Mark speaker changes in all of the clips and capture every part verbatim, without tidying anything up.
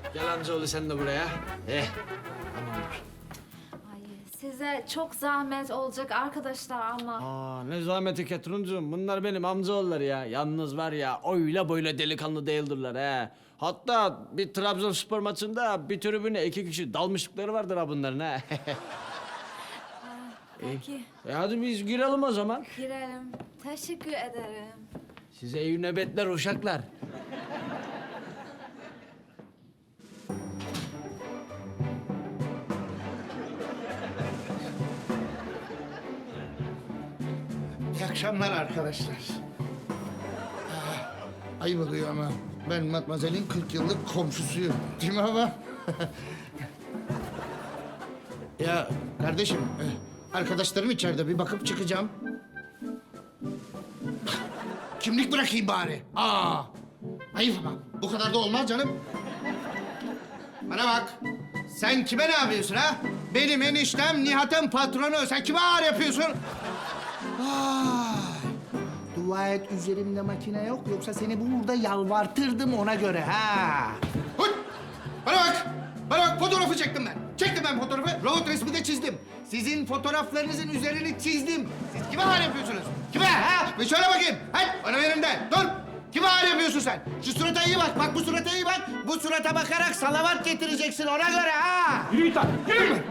Speaker 1: Gel amcaoğlu sen de buraya. Eh, tamamdır.
Speaker 2: Ay, size çok zahmet olacak arkadaşlar ama.
Speaker 1: Aa, ne zahmeti Ketruncuğum. Bunlar benim amcaoğulları ya. Yalnız var ya, öyle böyle delikanlı değildirler he. Hatta bir Trabzonspor maçında bir tribüne iki kişi dalmışlıkları vardır ha bunların ha.
Speaker 2: Peki,
Speaker 1: E hadi biz girelim o zaman.
Speaker 2: girelim. Teşekkür ederim.
Speaker 1: Size iyi nöbetler uşaklar.
Speaker 3: İyi akşamlar arkadaşlar. Ah, ayıp oluyor ama ben Matmazel'in kırk yıllık komşusuyum. Değil mi ama? Ya kardeşim, eh, arkadaşlarım içeride, bir bakıp çıkacağım. Kimlik bırakayım bari. Aa, ayıp ama. Bu kadar da olmaz canım. Bana bak. Sen kime ne yapıyorsun ha? Benim eniştem Nihat'ın patronu. Sen kime ağır yapıyorsun? Vay. Dua et üzerimde makine yok. Yoksa seni burada yalvartırdım ona göre ha. Hıt! Bana bak. Bana bak, fotoğrafı çektim ben. Çektim ben fotoğrafı. Robot resmi de çizdim. Sizin fotoğraflarınızın üzerini çizdim. Siz kime ağır yapıyorsunuz? Kime ha? Bir söyle bakayım. Hadi bana verin de. Dur. Kime ağır yapıyorsun sen? Şu surata iyi bak. Bak bu surata iyi bak. Bu surata bakarak salavat getireceksin ona göre ha.
Speaker 4: Yürü git lan, yürü!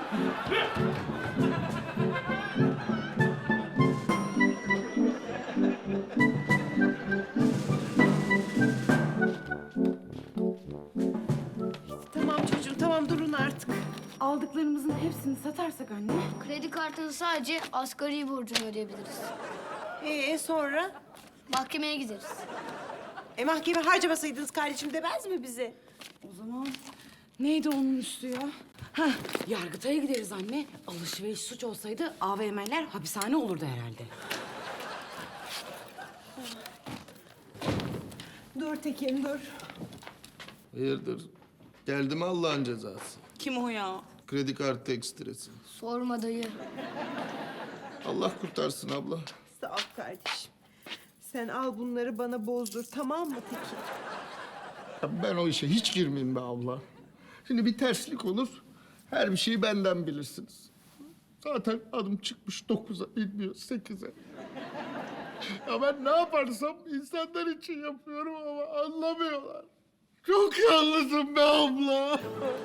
Speaker 5: Tamam çocuğum, tamam durun artık. Aldıklarımızın hepsini satarsak anne.
Speaker 6: Kredi kartının sadece asgari borcunu ödeyebiliriz.
Speaker 5: Ee sonra?
Speaker 6: Mahkemeye gideriz.
Speaker 5: E mahkeme harcamasaydınız kardeşim demez mi bize?
Speaker 7: O zaman neydi onun üstü ya? Hah, Yargıtay'a gideriz anne. Alışveriş suç olsaydı A V M'ler hapishane olurdu herhalde.
Speaker 5: Dur Tekin dur.
Speaker 3: Hayırdır? Geldi mi Allah'ın cezası?
Speaker 7: Kim o ya?
Speaker 3: Kredi kartı ekstresi.
Speaker 6: Sorma dayı.
Speaker 3: Allah kurtarsın abla.
Speaker 5: Sağ ol kardeşim. Sen al bunları bana bozdur tamam mı Tekin?
Speaker 3: Ya ben o işe hiç girmeyeyim be abla. Şimdi bir terslik olur, her bir şeyi benden bilirsiniz. Zaten adım çıkmış dokuza, inmiyor sekize. Ya ben ne yaparsam insanlar için yapıyorum ama anlamıyorlar. Çok yalnızım be abla.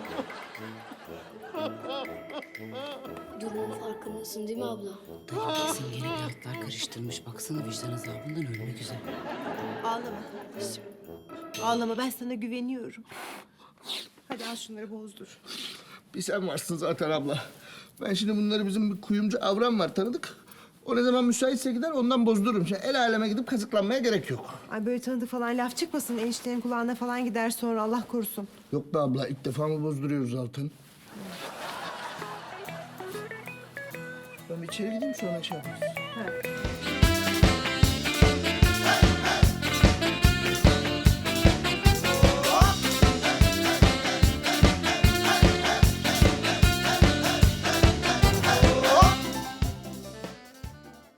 Speaker 6: Durumun farkındasın değil mi abla?
Speaker 7: Dayı kesin yeni kağıtlar karıştırmış. Baksana vicdan azabından ölmek üzere.
Speaker 5: Ağlama kardeşim. Ağlama ben sana güveniyorum. Hadi al şunları bozdur.
Speaker 3: Bir sen varsın zaten abla. Ben şimdi bunları bizim bir kuyumcu Avram var tanıdık. O ne zaman müsaitse gider ondan bozdururum. Şimdi el aleme gidip kazıklanmaya gerek yok.
Speaker 5: Ay böyle tanıdık falan laf çıkmasın. Eniştenin kulağına falan gider sonra Allah korusun.
Speaker 3: Yok be abla ilk defa mı bozduruyoruz zaten? Ben bir içeri gideyim sonra şey yaparız.
Speaker 5: Ha.